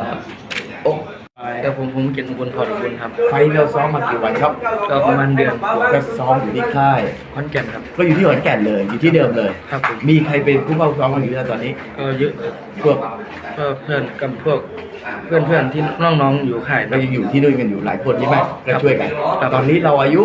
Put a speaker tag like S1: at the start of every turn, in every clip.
S1: โอ้
S2: แต่ผมเกียรติอุบลพออุบลครับ
S1: ไฟล์เราซ้อมมากี่วันครับ
S2: ก็ประมาณเดือน
S1: ก็ซ้อมอยู่ที่ค่าย
S2: ขอนแก่นครับ
S1: ก็อยู่ที่ขอนแก่นเลยอยู่ที่เดิมเลย
S2: ครับผม
S1: มีใครเป็นผู้เข้าซ้อมมาอยู่ตอนนี้
S2: ก็เยอะ
S1: พวก
S2: ก็เพื่อนกับพวกเพื่อนที่น้องๆอยู่ค่าย
S1: เรายังอยู่ที่ด้วยกันอยู่หลายคนใช่ไหมก็ช่วยกัน
S2: ครับ
S1: ตอนนี้เราอายุ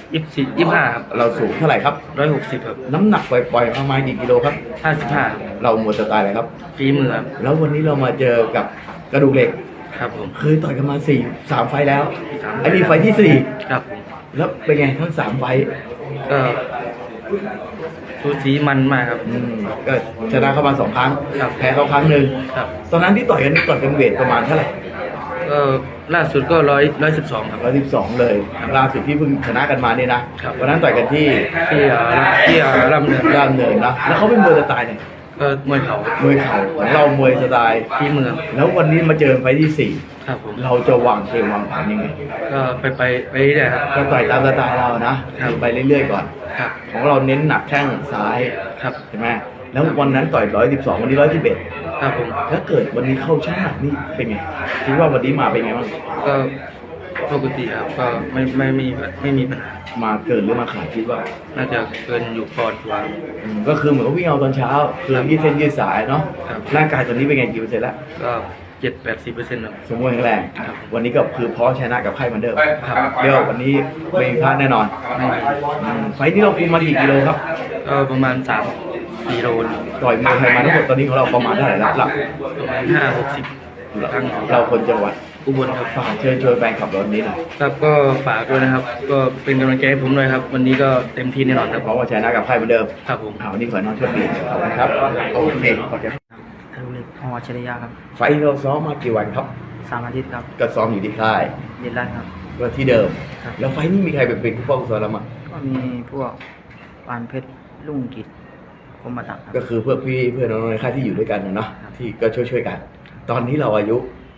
S2: 25ครับ
S1: เราสูงเท่าไหร่ครับ
S2: 160ครับ
S1: น้ำหนักปล่อยๆประมาณกี่กิโลครับ
S2: 55ครับ
S1: เราหมดสไตล์อะไรครับ
S2: ฝีมือครับ
S1: แล้ววันนี้เรามาเจอกับกระดูกเหล็ก
S2: ครับผม
S1: เคยต่อยกันมา3 ไฟล์แล้ว
S2: 3
S1: อันนี้ไฟล์ที่
S2: ครับผม
S1: 4แล้วเป็นไงทั้ง3 ไฟล์
S2: ก็สูสีมันมากครับ
S1: ก็ชนะเข้ามา2 ครั้ง
S2: ครับ
S1: แพ้เขาครั้งหนึ่ง
S2: ครับ
S1: ตอนนั้นที่ต่อยกันเวทประมาณเท่าไหร่
S2: ก็ล่าสุดก็112ครับ
S1: 112เลยล่าสุดที่เพิ่งชนะกันมาเนี่ยนะครับ วันนั้นต่อยกันที่
S2: ที่ลำเนิน
S1: ด้านเนินนะแล้วเขาเป็นมวยสไตล์ไหน
S2: ก็มวยเขา
S1: มวยเข่าของเรามวยสไตล์
S2: ฝีมือ
S1: แล้ววันนี้มาเจอไฟล์ที่
S2: ครับผม
S1: 4เราจะวางเกมวางแผนยังไง
S2: ก็ไปเรื่อยๆครับ
S1: ก็ต่อยตามสไตล์เรานะครับ ไปเรื่อยๆก่อน
S2: ครับ
S1: ของเราเน้นหนักแข้งซ้าย
S2: ครับ
S1: ใช่ไหมแล้ววันนั้นต่อย112วันนี้111
S2: ครับผม
S1: ถ้าเกิดวันนี้เข้าช่างหนักนี่เป็นไงคิดว่าวันนี้มาเป็นไงบ้าง
S2: ก็ปกติครับก็ไม่มีปัญหา
S1: มาเกินหรือมาขาดคิดว่า
S2: น่าจะเกินอยู่ปอนด์กว่า
S1: ก็คือเหมือนกับวิ่งเอาตอนเช้าคือยืดเส้นยืดสายเนาะ
S2: ครับ
S1: ร่างกายตอนนี้เป็นไงกี่เปอร์เซ็นต์แล้ว
S2: ก็70-80%ครับ
S1: สมบูรณ์แข็งแรง
S2: ครับ
S1: วันนี้ก็คือพร้อมชนะกับไพ่เหมือนเดิม
S2: ครับ
S1: เดี๋ยววันนี้ไม่มีพลาดแน่นอน
S2: ไม่มี
S1: ไฟล์ที่เราคุมมากี่กิโลครับ
S2: ก็ประมาณ3-4 โล
S1: ต่อยมวยไทยมาทั้งหมดตอนนี้ของเราประมาณเท่าไหร่แล้วล่ะ
S2: ประมาณ5-60 ครั้ง
S1: เราคนจังหวัด
S2: อุบลครับ
S1: ฝากเชิญชวนแฟนขับรถนี้หน่อย
S2: ครับก็ฝากด้วยนะครับ ก็เป็นกำลังใจให้ผมด้วยครับ วันนี้ก็เต็มที่แน่นอนครับ
S1: เพราะว่าชนะกับไพ่เหมือนเดิม
S2: ครับผม
S1: วันนี้ขอให้น้องโชคดีขอบคุณครับโอเคขอบคุณ
S3: ทะลุเหล็กพอชริยาครับ
S1: ไฟล์เราซ้อมมากี่วันครับ
S3: 3 อาทิตย์ครับ
S1: ก็ซ้อมอยู่ที่ค่าย
S3: เย็นรันครับ
S1: ก็ที่เดิม
S3: ครับ
S1: แล้วไฟล์นี้มีใครเป็นผู้ป้องกันเรามั้ง
S3: ก็มีพวกปานเพชรลุ่งกิจคมบัตักครับ
S1: ก็คือเพื่อนพี่เพื่อนน้องในค่ายที่อยู่ด้วยกันนะเนาะ
S3: ครับ
S1: ที่ก็ช่วยกัน ตอนนี้เราอายุ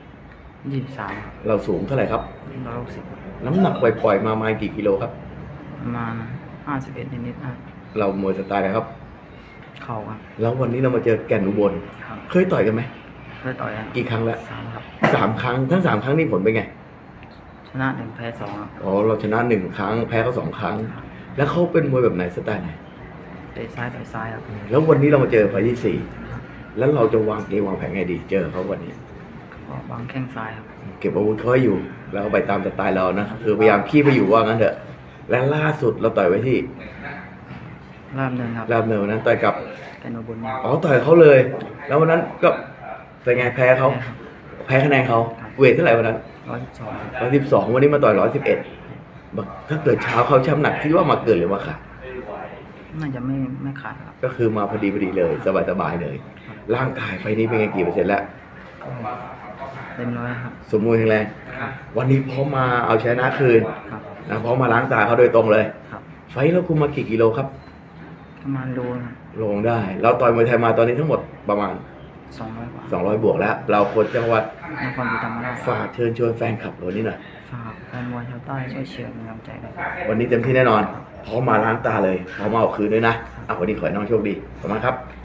S3: 23ครับ
S1: เราสูงเท่าไหร่ครับ
S3: 160ครับ
S1: น้ำหนักปล่อยๆมาประมาณกี่กิโลครับ
S3: ประมาณ51นิดๆครับ
S1: เรามวยสไตล์อะไรครับ
S3: เข่าครับ
S1: แล้ววันนี้เรามาเจอแก่นอุบล
S3: ครับ
S1: เคยต่อยกันไหม
S3: เคยต่อยครับ
S1: กี่ครั้งแล้ว
S3: 3ครับ
S1: 3 ครั้งทั้ง3 ครั้งนี่ผลเป็นไง
S3: ชนะ1แพ้2ครับ
S1: อ๋อเราชนะ1 ครั้งแพ้เขา2 ครั้ง แล้วเขาเป็นมวยแบบไหนสไตล์ไหน
S3: เตะซ้ายต่อยซ้ายครับ
S1: แล้ววันนี้เรามาเจอไฟล์ที่ 4 แล้วเราจะวางเกมวางแผนไงดี เจอเขาวันนี้
S3: ก็วางแข้งซ้ายครับ
S1: เก็บอาวุธเขาให้อยู่ แล้วก็ไปตามสไตล์เรานะ คือพยายามขี้ไปอยู่ว่างั้นเถอะ และล่าสุดเราต่อยไว้ที่
S3: รามเนินครับ
S1: รามเนินนะต่อยกับ
S3: แกนโนบุญเนี่ย
S1: อ๋อต่อยเขาเลย แล้ววันนั้นก็เป็นไงแพ้เขา แพ้คะแนนเขาเวทเท่าไหร่วันนั้น
S3: 112ครับ
S1: 112วันนี้มาต่อย111บอกถ้าเกิดเช้าเขาช้ำหนักคิดว่ามาเกินหรือว่าขาด
S3: น่าจะไม่ขาดครับ
S1: ก็คือมาพอดีเลย สบายๆเลย ร่างกายไฟนี้เป็นไงกี่เปอร์เซ็นต์แล้ว
S3: ก็เต็มร้อยครับ
S1: สมบูรณ์แข็งแรง
S3: ครับ
S1: วันนี้พร้อมมาเอาชนะคืน
S3: ครับ
S1: นะพร้อมมาล้างตาเขาโดยตรงเลย
S3: ครับ
S1: ไฟเราคุมมากี่กิโลครับ
S3: ประมาณโลครับ
S1: ลงได้ เราต่อยมวยไทยมาตอนนี้ทั้งหมดประมาณ
S3: 200กว่า
S1: 200 บวกแล้ว เราคนจังหวัด
S3: นครศรีธรรมราช
S1: ฝากเชิญชวนแฟนคลับเรานี่หน่อย
S3: ฝากแฟนมวยชาวใต้ช่วยเชียร์เป็นกำลังใจด้วย
S1: วันนี้เต็มที่แน่นอน พร้อมมาล้างตาเลย พร้อมมาเอาคืนด้วยนะวันนี้ขอให้น้องโชคดี ขอบคุณมากครับ